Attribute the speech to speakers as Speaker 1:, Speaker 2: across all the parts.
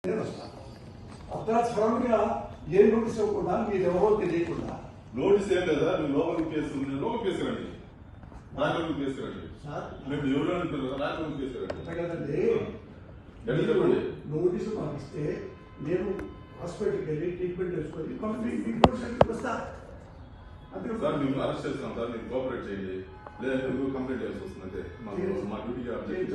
Speaker 1: అక్కడ సడన్ గా ఏ నోటీస్ ఇవ్వకుండా మీరు ఎవరో తెలియకుండా
Speaker 2: నోటీస్ ఏం లేదా మీరు లోపలికి తీసుకురండి రాజలోకి తీసుకురండి మేము ఎవరు రాజలోకి తీసుకురండి
Speaker 1: కదండి. నోటీసు పంపిస్తే నేను హాస్పిటల్కి వెళ్ళి ట్రీట్మెంట్ చేసుకొని కంప్లీట్ వస్తా.
Speaker 2: సార్ మేము అరెస్ట్ చేస్తాం సార్, మీరు కోఆపరేట్ చేయండి, లేదంటే మీరు కంప్లైంట్ చేయాల్సి వస్తుంది. అంటే మా డ్యూటీకి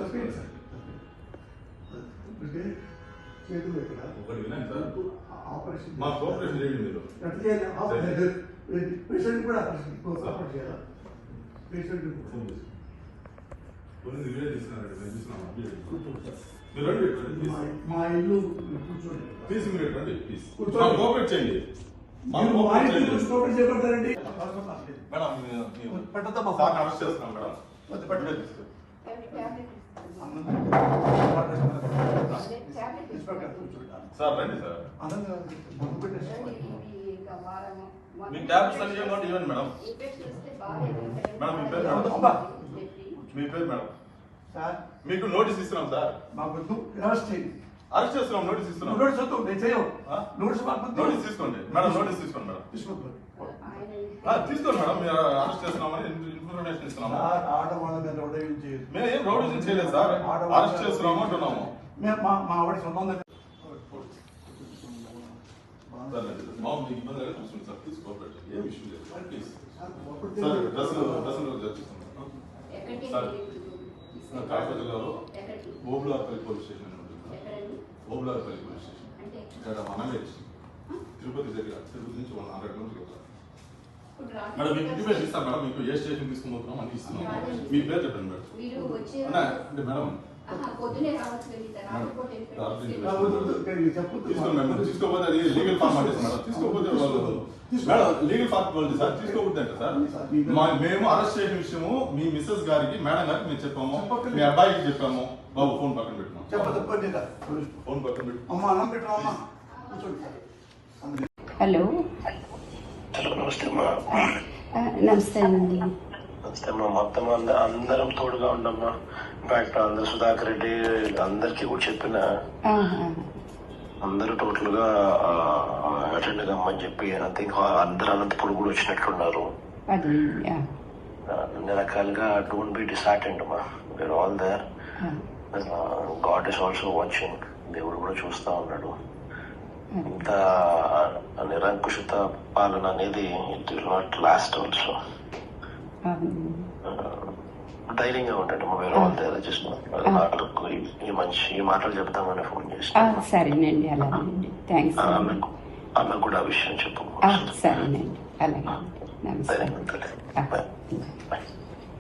Speaker 1: చేతులు ఇక్కడ
Speaker 2: ఒకటి వినండి సార్,
Speaker 1: ఆపరేషన్
Speaker 2: మా కోఆపరేషన్ చేయండి. మీరు
Speaker 1: పేషెంట్ కూడా ఆపరేషన్ చేయాలా? పేషెంట్
Speaker 2: కొన్ని వీడియో తీసుకున్నారండి, మేము చూస్తున్నాం. మీరు రండి,
Speaker 1: మా ఇల్లు కూర్చోండి,
Speaker 2: ప్లీజ్ మీరు రండి, ప్లీజ్ కోఆపరేట్ చేయండి.
Speaker 1: చేపడతారండి
Speaker 2: మేడం సార్ అరెస్ట్ చేస్తున్నాం మేడం. సార్ రండి సార్, మీ ట్యాబ్లెట్స్ అన్ని ఇవ్వండి మేడం. మేడం మీ పేరు మేడం, మీ పేరు మేడం. మీకు నోటీస్ ఇస్తున్నాం సార్, అరెస్ట్ చేస్తున్నాం, నోటీస్ ఇస్తున్నాం. నోటీస్ తీసుకోండి మేడం, నోటీస్ తీసుకోండి మేడం, తీసుకోండి మేడం. మీరు అరెస్ట్ చేస్తున్నామని ఇన్ఫర్మేషన్ ఇస్తున్నాము. మేము ఏం రౌడీజం చేయలేదు సార్, అరెస్ట్ చేస్తున్నాము అంటున్నాము.
Speaker 1: మా ఆవిడ సొంతం
Speaker 2: మీకు ఇబ్బంది అయితే చూసుకోండి సార్, ప్లీజ్ కోఆపరేట్ చేయండి, ఏం ఇష్యూ లేదు ప్లీజ్. సార్ డ్రెస్సులు చర్చిస్తున్నాం సార్. కాకపల్లి జిల్లాలో ఓబులార్పల్లి పోలీస్ స్టేషన్ అని ఉంటుంది. ఓబులార్పల్లి పోలీస్ స్టేషన్ ఇక్కడ మనమేజ్ తిరుపతి దగ్గర, తిరుపతి నుంచి 100 కిలోమీటర్లు. మేడం మీకు ఇంటిమేషన్ ఇస్తాం మేడం, మీకు ఏ స్టేషన్ తీసుకుని పోతున్నాం అని ఇస్తున్నాం. మీ పేరు చెప్పండి మేడం. అంటే మేడం తీసుకోపోతే అది లీగల్ ఫార్మాలిటీస్ మేడం, తీసుకోపోతే వాళ్ళు మేడం లీగల్ ఫార్మాలిటీ సార్, తీసుకోకపోతే సార్. మేము అరెస్ట్ చేసిన విషయము మీ మిస్సెస్ గారికి మేడం గారికి మేము చెప్పాము, మీ అబ్బాయికి చెప్పాము. బాబు ఫోన్ పక్కన పెట్టినాం, ఫోన్ పక్కన పెట్టు.
Speaker 3: హలో
Speaker 4: నమస్తే అమ్మా.
Speaker 3: నమస్తే అండి.
Speaker 4: నమస్తే అమ్మా. మొత్తం అందరం తోడుగా ఉండమ్మా. ఇన్ఫాక్ట్ అందరు సుధాకర్ రెడ్డి అందరికి కూడా చెప్పిన అందరూ టోటల్ గా అటెండ్ కమ్మని చెప్పి ఐ థింక్ అందరు అనంతపురం కూడా వచ్చినట్లున్నారు. అన్ని రకాలుగా డోంట్ బి డిసార్టెండ్ అమ్మా, we are all there. God is also watching, దేవుడు కూడా చూస్తా ఉన్నాడు. ఇంత నిరంకుశత పాలన అనేది it will not last also. ధైర్యంగా ఉండండి, వేరే వాళ్ళ జస్ట్ ఈ మాటలు చెప్తామని ఫోన్ చేసి.
Speaker 3: సరేనండి, అలాగేనండి, థ్యాంక్స్.
Speaker 4: ఆమెకు కూడా ఆ విషయం చెప్పు.
Speaker 3: సరేనండి, అలాగే. నమస్తే.
Speaker 4: ధైర్యంగా ఉంటుంది.